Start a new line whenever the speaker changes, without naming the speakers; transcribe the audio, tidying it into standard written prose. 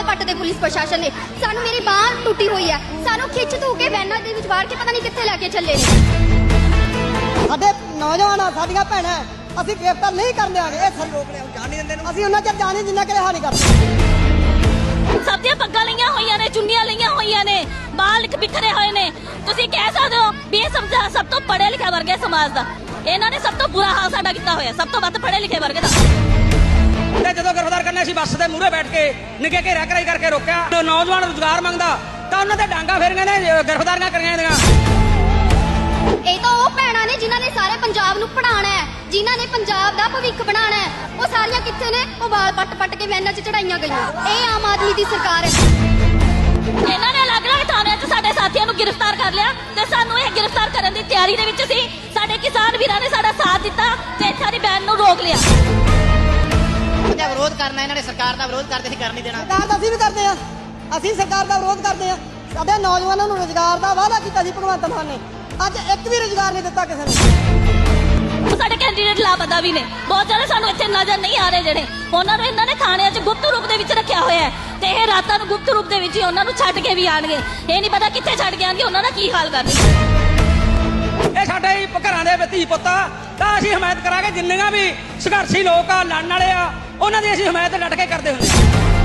ਪੱਟਦੇ police ਪ੍ਰਸ਼ਾਸਨ ਨੇ। ਸਾਨੂੰ ਮੇਰੀ ਬਾਂਹ ਟੁੱਟੀ ਹੋਈ ਹੈ, ਸਾਨੂੰ ਖਿੱਚ ਧੂ ਕੇ ਵੈਨਾਂ ਦੇ ਵਿੱਚ ਵਾੜ ਕੇ ਪਤਾ ਨਹੀਂ ਕਿੱਥੇ ਲੈ ਕੇ ਚੱਲੇ ਨੇ।
ਸਾਡੇ ਨੌਜਵਾਨ ਆ, ਸਾਡੀਆਂ ਭੈਣਾਂ, ਅਸੀਂ ਗ੍ਰਿਫਤਾਰ ਨਹੀਂ ਕਰਨ ਦਿਆਂਗੇ। ਇਹ ਸਰ ਰੋਕ ਲਿਆ, ਜਾਣ ਨਹੀਂ ਦਿੰਦੇ, ਅਸੀਂ ਉਹਨਾਂ ਚਿਰ ਜਾਣੇ ਜਿੰਨਾ ਕਿ ਰਿਹਾ ਨਹੀਂ ਕਰਦੇ।
ਸਭ ਦੀਆਂ ਪੱਗਾਂ ਲਈਆਂ ਹੋਈਆਂ ਨੇ, ਚੁੰਨੀਆਂ ਲਈਆਂ ਹੋਈਆਂ ਨੇ, ਬਾਲ ਬਿਖਰੇ ਹੋਏ ਨੇ। ਤੁਸੀਂ ਕਹਿ ਸਕਦੇ ਹੋ ਵੀ ਇਹ ਸਭ ਤੋਂ ਪੜ੍ਹੇ ਲਿਖੇ ਵਰਗੇ ਸਮਾਜ ਦਾ ਇਹਨਾਂ ਨੇ ਸਭ ਤੋਂ ਬੁਰਾ ਹਾਲ ਸਾਡਾ ਕੀਤਾ ਹੋਇਆ, ਸਭ ਤੋਂ ਵੱਧ ਪੜ੍ਹੇ ਲਿਖੇ ਵਰਗੇ ਦਾ।
ਤੇ ਜਦੋਂ ਗ੍ਰਿਫਤਾਰ ਕਰਨਾ ਸੀ ਬੱਸ ਦੇ ਮੂਹਰੇ ਬੈਠ ਕੇ ਨਿੱਕੇ ਘੇਰਾ ਕਰਾਈ ਕਰਕੇ ਰੋਕਿਆ। ਜੋ ਨੌਜਵਾਨ ਰੁਜ਼ਗਾਰ ਮੰਗਦਾ ਤਾਂ ਉਹਨਾਂ ਤੇ ਡਾਂਗਾ ਫੇਰੀਆਂ ਨੇ, ਗ੍ਰਿਫਤਾਰੀਆਂ ਕਰੀਆਂ ਨੇ।
ਇਹ ਤਾਂ ਉਹ ਭੈਣਾਂ ਨੇ ਜਿਨ੍ਹਾਂ ਨੇ ਸਾਰੇ ਪੰਜਾਬ ਨੂੰ ਪੜ੍ਹਾਉਣਾ ਹੈ, ਜਿਨ੍ਹਾਂ ਨੇ ਪੰਜਾਬ ਦਾ ਭਵਿੱਖ ਬਣਾਉਣਾ ਹੈ। ਉਹ ਸਾਰੀਆਂ ਕਿੱਥੇ ਨੇ? ਉਹ ਵਾਲ ਪੱਟ ਕੇ ਵੈਨਾਂ 'ਚ ਚੜਾਈਆਂ ਗਈਆਂ। ਇਹ ਆਮ ਆਦਮੀ ਦੀ ਸਰਕਾਰ ਹੈ।
ਇਹਨਾਂ ਨੇ ਅਲੱਗ-ਅਲੱਗ ਥਾਣਿਆਂ 'ਚ ਸਾਡੇ ਸਾਥੀਆਂ ਨੂੰ ਗ੍ਰਿਫਤਾਰ ਕਰ ਲਿਆ ਤੇ ਸਾਨੂੰ ਇਹ ਗ੍ਰਿਫਤਾਰ ਕਰਨ ਦੀ ਤਿਆਰੀ ਦੇ ਵਿੱਚ ਸੀ। ਸਾਡੇ ਕਿਸਾਨ ਵੀਰਾਂ ਨੇ ਸਾਡਾ ਸਾਥ ਦਿੱਤਾ ਤੇ ਇੱਥਾਂ ਦੀ ਬੈਨ ਨੂੰ ਰੋਕ ਲਿਆ।
ਇਹਦਾ ਵਿਰੋਧ ਕਰਨਾ, ਇਹਨਾਂ ਨੇ ਸਰਕਾਰ ਦਾ ਵਿਰੋਧ ਕਰਦੇ ਸੀ, ਕਰ ਨਹੀਂ ਦੇਣਾ।
ਸਰਕਾਰ ਦਾ ਅਸੀਂ ਵੀ ਕਰਦੇ ਆ, ਅਸੀਂ ਸਰਕਾਰ ਦਾ ਵਿਰੋਧ ਕਰਦੇ ਆ। ਸਾਡੇ ਨੌਜਵਾਨਾਂ ਨੂੰ ਰੁਜ਼ਗਾਰ ਦਾ ਵਾਅਦਾ ਕੀਤਾ ਸੀ ਭਗਵੰਤ ਮਾਨ ਨੇ, ਅੱਜ ਇੱਕ ਵੀ ਰੁਜ਼ਗਾਰ ਨਹੀਂ ਦਿੱਤਾ ਕਿਸੇ ਨੂੰ।
ਸਾਡੇ ਕੈਂਡੀਡੇਟ ਲਾਪਤਾ ਵੀ ਨੇ, ਬਹੁਤ ਜ਼ਿਆਦਾ ਸਾਨੂੰ ਇੱਥੇ ਨਜ਼ਰ ਨਹੀਂ ਆ ਰਹੇ ਜਿਹੜੇ। ਉਹਨਾਂ ਨੂੰ ਇਹਨਾਂ ਨੇ ਥਾਣਿਆਂ 'ਚ ਗੁਪਤ ਰੂਪ ਦੇ ਵਿੱਚ ਰੱਖਿਆ ਹੋਇਆ ਹੈ ਤੇ ਇਹ ਰਾਤਾਂ ਨੂੰ ਗੁਪਤ ਰੂਪ ਦੇ ਵਿੱਚ ਹੀ ਉਹਨਾਂ ਨੂੰ ਛੱਡ ਕੇ ਵੀ ਆਣਗੇ। ਇਹ ਨਹੀਂ ਪਤਾ ਕਿੱਥੇ ਛੱਡ ਕੇ ਆਣਗੇ, ਉਹਨਾਂ ਦਾ ਕੀ ਹਾਲ ਕਰਨਗੇ।
ਇਹ ਸਾਡੇ ਹੀ ਘਰਾਂ ਦੇ ਧੀ ਪੁੱਤ ਆ, ਤਾਂ ਅਸੀਂ ਹਮਾਇਤ ਕਰਾਂਗੇ। ਜਿੰਨੀਆਂ ਵੀ ਸੰਘਰਸ਼ੀ ਲੋਕ ਆ, ਲੜਨ ਵਾਲੇ ਆ, ਉਹਨਾਂ ਦੀ ਅਸੀਂ ਹਮਾਇਤ ਡਟ ਕੇ ਕਰਦੇ ਹੁੰਦੇ ਹਾਂ।